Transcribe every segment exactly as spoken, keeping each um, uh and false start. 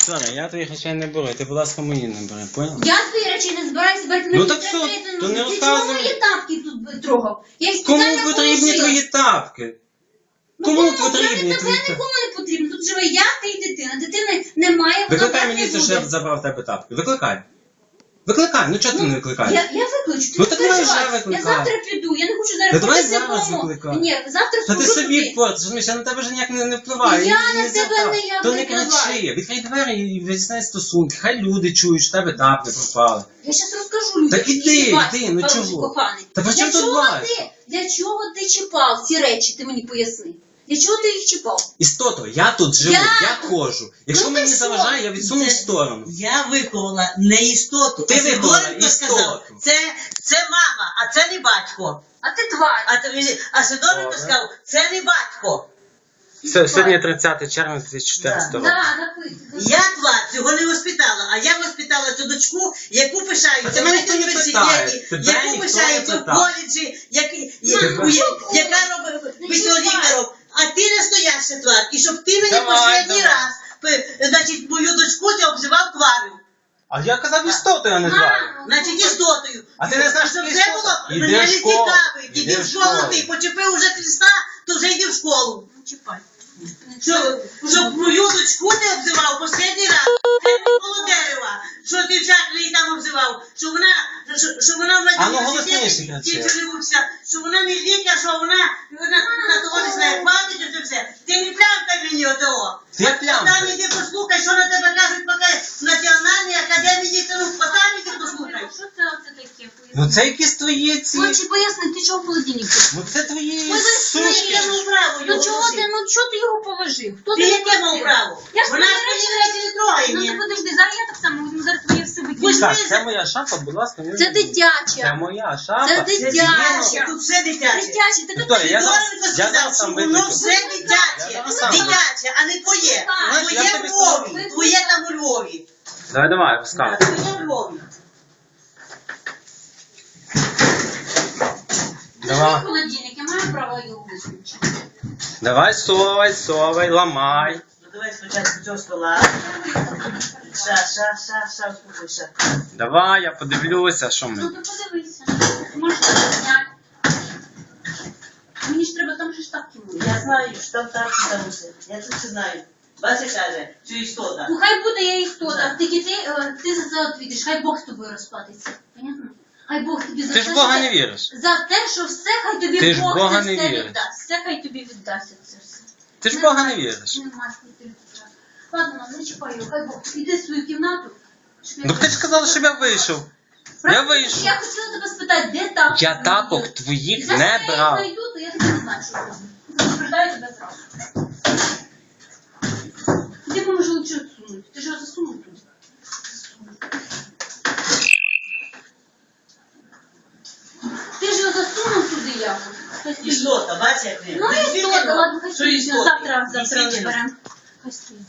Вікторія, я твоїх речей не беру, ти, будь ласка, мої не бери, поняла? Я твої речі не збираюся брати. Ну так що, то не Ти чому розказуй. мої тапки тут трогав? Я їх Кому спеціально потрібні положила. твої тапки? Ну, Кому кому? потрібні Я твої не тапки? нікому не потрібно. Тут живе я, ти і дитина. Дитини немає, вона Викликай так не міліцію, що я буде. забрав в тебе тапки. Викликай. Викликай, ну чого ти не викликаєш? Я, я виключу, ти Ну, не так давай переживай. вже викликай. Я завтра піду, я не хочу зараз Та давай ходити зараз додому. викликай. Ні, завтра Та ти схожу собі туди. портиш, розумієш, я на тебе вже ніяк не, не впливаю. Я І- на і тебе так. не я То не впливаю. кричи, відкрий двері і виясняй стосунки. Хай люди чують, що в тебе тапки пропали. Я зараз розкажу людям. Так іди, який Вася, іди, ну хороший, чого? коханий. Та при чому Для тут чого Вася? ти? Для чого ти чіпав ці речі, ти мені поясни? Для чого ти їх чіпав? Істото, я тут живу, Я я, тут. ходжу. Якщо Ну, ти мені що? заважає, я відсуну в Це- сторону. Я виховала не істоту. Ти а виховала Сидоренко істоту. сказав, це, це мама, а це не батько. А ти тварь. А, тобі- а Сидоренко Добре. сказав, це не батько. Сьогодні тридцяте червня дві тисячі чотирнадцятого року. Да, написано. Я твар цього не воспитала, а я воспитала цю дочку, яку Та пишаються тебе в ніхто не університеті, питає. Тебе яку ніхто пишаються не в питає. коледжі, як, я- Тебе- у- я- яка робить Не весьолікаром. А ти настояща твар. І щоб ти мені Давай, последній давай. раз, пи- значить, мою дочку ти обзивав тварю. А я казав істоту, я не знаю. Значить, істотою. А ти не знаєш, Щоб що це істота? було, Іди мене в не школу. цікавить. Іди Іди в в школу школу. ти, почепив уже Христа, то вже йди в школу. Не чіпай. Щоб, щоб мою дочку не обзивав останній раз. Це коло дерева. Що ти всяк її там обзивав. Що вона, що, що вона в А ну, голосніше кричи. тільки живуться. Що вона не лікар, що вона, вона на того не знає, хватить оце все. Ти не плямка мені отого. Я плямка. Там іди послухай, що на тебе кажуть, поки в Національній академії дітей, там іди послухай. Що це оце таке? Ну це якісь твої ці. Хоче пояснити, ти чого в холодильник? Ну це твої Ой, ви сушки. Я мав право Ну його чого ти, носити. ну чого ти його положив? Хто Ти тебе яке мав просив? право? Я ж Вона твої свої речі- речі не трогає. Ну ні. ти подожди, зараз я так само візьму, зараз твоє все Будь викину. Так, це моя шапа, будь ласка, не Це робіть. Це дитяча. моя шапа. Це Це дитяча. дитяче, тут все дитяче. Дитяча, ти тут Вікторія, я зараз- Сидоренко я сказав, зараз що сам воно виключу. все дитяче. Я зараз сам Дитяче, а не твоє. Так. Твоє Я в тобі Львові. скажу. Твоє там у Львові. Давай, давай, Так, пускай. Твоє в Львові. Давай. Це холодильник, я маю право його виключити. Давай, совай, совай, ламай. Ну давай спочатку цього стола. Ша, ша, ша, ша, успокойся. Давай, я подивлюся, що Ну ми. ти подивися. Ти можеш це зняти. Мені ж треба там же штатки були. Я знаю, що там так, що там усе. Я це все знаю. Бачиш, каже, що істота. Ну хай буде я їх хто так. Тільки ти, е, ти за це відповідиш. Хай Бог з тобою розплатиться. Понятно? Хай Бог тобі за Ти те, ж в Бога що не ти- віриш. За те, що все хай тобі Ти ж в Бог Бога це не все віриш. віддасть. Все хай тобі віддасться це все. Ти ж в Бога не віриш. Нема скільки. Ладно, не чіпай його, хай Бог. Іди в свою кімнату. щоб я- Ну ти ж сказала, щоб я вийшов. Я Правильно? вийшов. Я хотіла тебе спитати, де тапки? Я тапок мої? твоїх Зараз не я їх брав. знайду, то я тебе не знаю, що зроблю. Предупреждаю тебе зразу. Ти поможи лучше відсунути. Ти ж його засунув туди. Ти ж його засунув туди якось. Хай стоїть. Істота, бачиш, як він. Ну і Дійсно, то, ладно, хай що стоїть. істота? Завтра, завтра Дійсно. розберемо. Хай стоїть.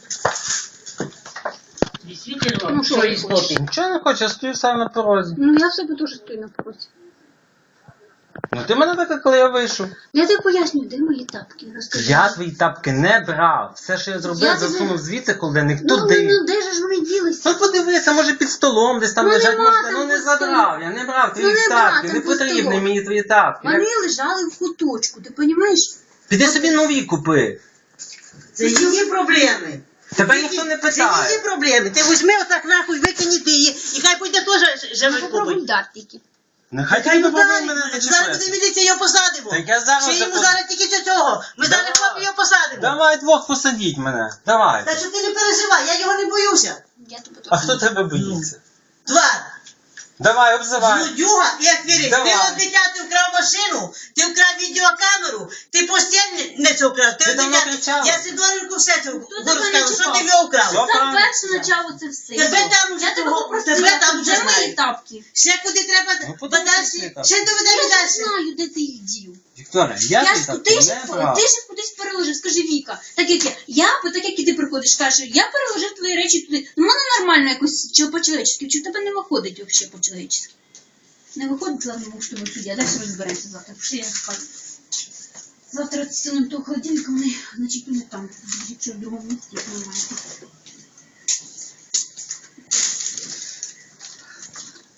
Дійсно, Ну, що що ти істоти. Нічого не хочу, я стою сам на порозі. Ну я в себе теж стою на порозі. Ну ти мене викликав, коли я вийшов. Я тобі поясню, де мої тапки? Розкажи. Я твої тапки не брав. Все, що я зробив, Я тобі- засунув звідси холодильник Ну, ну, туди. ну, де ж вони ділися? Ну подивися, може під столом десь там Ну, лежать, нема може. там Ну не під столом. забрав, я не брав Ну, твої нема тапки, там не під потрібні столом. мені твої тапки. Я- Вони лежали в куточку, ти розумієш? Піди собі нові купи. Це її проблеми. Тебе ніхто не Це її питає. проблеми. Ти візьми отак нахуй, викинь ти її, і хай пойде теж живе Попробуй купить. дати тільки. Нехай Хай тільки ну попробуй дай, мене зараз буде зачепити. міліція, його посадимо. Так я зараз Ще йому запо- зараз тільки до цього. Ми зараз Давай. хлопці його посадимо. Давай двох посадіть мене. Давай. Та що ти не переживай, я його не боюся. Я тебе А хто тебе боїться? Твар. Давай, обзивай. Злодюга і аферист. Давай. Ти от дитя, ти вкрав машину, ти вкрав відеокамеру, ти постіль не це вкрав. Ти Ти от давно дитя, кричала. я Сидоренку все це Хто тебе розказав, не що чіпав? ти його вкрав. Все. Сам правильно. перше почав це все. Тебе там вже Я тебе того- попросила, тебе там вже де мої знають. тапки? Ще куди треба Ну, подивися, подальше, так. ще Я доведемо не далі. знаю, де ти їх дів. Вікторія, я Я твої ж, тапки ти, ж, не брав. ти ж їх кудись переложив, скажи Віка. Так як я, я, бо так як і ти приходиш, кажеш, я переложив твої речі туди. Ну, воно нормально якось, чи по-чоловічески, чи в тебе не виходить взагалі по-чоловічески. Не виходить, ладно, ми що ми суддя, далі розберемося завтра. Пішли, я спати. Завтра стінуємо того холодильника, вони, значить, вони там, якщо в другому місці, як немає.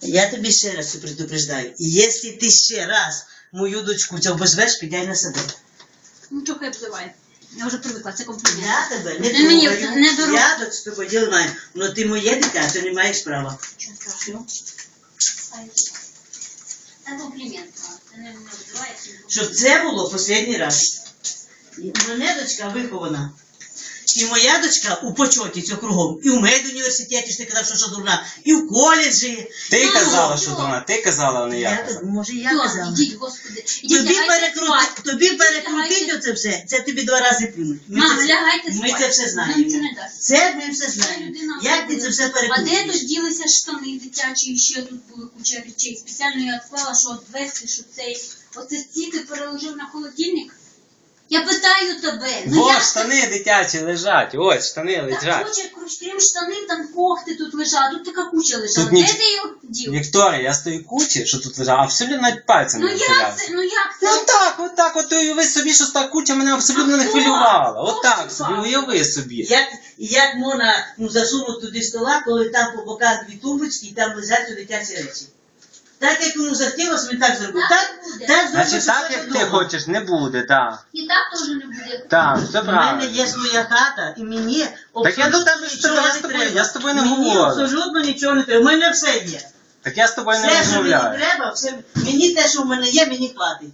Я тобі ще раз предупреждаю. Якщо ти ще раз мою дочку ця обозвеш, підай на себе. Ну, чого я обзиваю? Я вже привикла, це комплімент. Я тебе не Ти мені трогаю. не дорога. Я до тобою діла маю. Но ти моє дитя, ти не маєш права. Чого страшного? Це комплімент. Це не обзиває. Щоб це було останній раз. І мене дочка вихована. І моя дочка у почоті цього кругом. І в медуніверситеті, що ти казав, що, що дурна, і в коледжі. Ти Ну, казала, ну, що ну. вона, ти казала, а не я Я, казала. може, я Все, казала. ідіть, господи. Ідіть, Тобі, лягайте перекрути, спати. тобі Ідіть, перекрутить лягайте. оце все, це тобі два рази плюнуть. Ми Мам, це- лягайте Ми спати. це все Нам знаємо. це не дасть. Це ми все Це знаємо. людина Як ти буде. це все А де перекрутиш? тут ділися штани дитячі, і ще тут були куча речей. Спеціально я відклала, що відвести, що цей оце стільки переложив на холодильник. Я питаю тебе. Ну Во, як штани дитячі лежать, ось штани так лежать. хоче, крім штанів, там когти тут лежать, тут така куча лежала. Тут Де ніч- ти його дів? Вікторія, я стою кучі, що тут лежав, абсолютно навіть пальцем Ну не як вселявся. це? Ну як це? Ну так, отак, от уяви собі, що та куча мене абсолютно А не хто? хвилювала. Хто Отак ж собі, вам? уяви собі. Як, як можна ну, засунути туди стола, коли там по боках дві тумбочки і там лежать у дитячі речі? Так як йому захотілося, він так зробив. Так Так, буде. так зробив, Значить, що так це як ти вдома. хочеш, не буде, так. І так теж не буде. Так, все У мене є правильно. своя хата, і мені Так я абсолютно до тебе ж нічого я не з тобою- треба. я з тобою не Мені говорю. абсолютно нічого не треба. У мене все є. Так я з тобою не Все, що мені розмовляю. треба, все, мені те, що в мене є, мені хватить.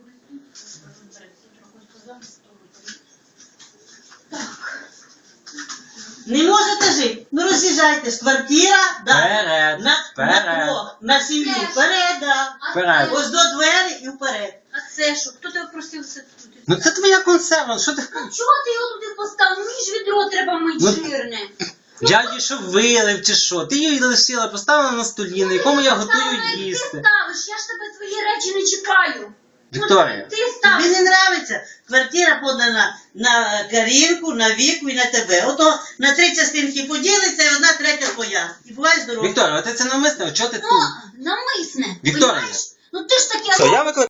Не можете жити? Ну роз'їжджайтесь. Квартира, да, Вперед, на, на вперед. кров, на сім'ю. Вперед. Вперед, да. А Вперед. це- Ось до двері і вперед. А це що? Хто тебе просив це тут? Ну це твоя консерва, що ти... Ну чого ти його туди поставив? Мені ж відро треба мити Ну, жирне. Я її що вилив чи що? Ти її лишила, поставила на столі, на якому я готую Ставила, як їсти. Ти ставиш, я ж тебе твої речі не чіпаю. Вікторія. Ну, ти Тобі ставиш. не нравиться? Квартира подана на Карінку, на Віку і на тебе. Ото на три частинки поділиться і одна третя твоя. І бувай здоровий. Вікторія, а ти це навмисно, чого ти Ну, тут? намисне. Вікторія. понімаєш? Ну ти ж таке. Все, я викликаю.